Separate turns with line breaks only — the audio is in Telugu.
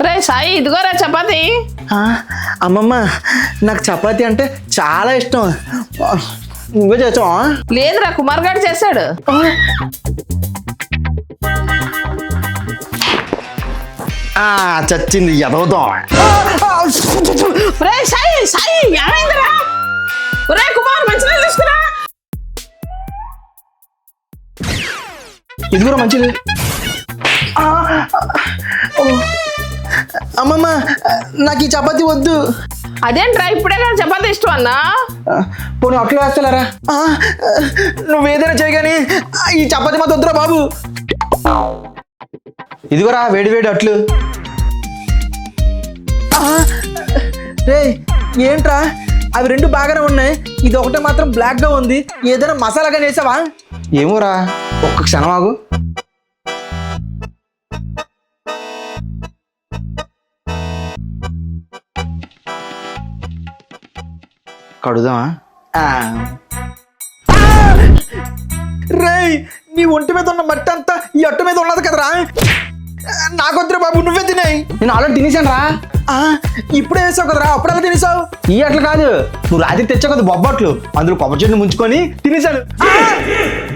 రే సాయి ఇదిగోరా చపాతి.
అమ్మమ్మ నాకు చపాతీ అంటే చాలా ఇష్టం. నువ్వే చేసావా?
లేదురా కుమార్ గారు చేశాడు.
చచ్చింది ఎదవుతాం.
రే సాయి సాయి ఏమైందిరా? రే కుమార్ మంచినీళ్ళు తీసుకురా.
ఇదిగోరా మంచిది. అమ్మమ్మ నాకు ఈ చపాతీ వద్దు.
అదేంట్రా ఇప్పుడే కదా చపాతి ఇష్టం అన్నా.
పోనీ అట్లు వేస్తలేరా? నువ్వేదైనా చేయగాని ఈ చపాతీ మాత్రం వద్దురా బాబు. ఇదిగోరా వేడి వేడి అట్లు. రే ఏంట్రా అవి రెండు బాగానే ఉన్నాయి, ఇది ఒకటే మాత్రం బ్లాక్ గా ఉంది. ఏదైనా మసాలాగా వేసావా? ఏమోరా ఒక్క క్షణం ఆగు. కడుదామా? రేయ్ నీ ఒంటి మీద ఉన్న మట్టి అంతా ఈ అట్టు మీద ఉన్నది కదరా. నాకొద్దురా బాబు, నువ్వే తినేయి. నేను ఆల్రెడీ తినేసాను రా. ఇప్పుడే వేసావు కదరా, అప్పుడు ఎలా తినేసావు? ఈ అట్లు కాదు, నువ్వు రాత్రి తెచ్చావు కదా బొబ్బట్లు, అందులో కొబ్బరి చెట్టు ముంచుకొని తినేసాను.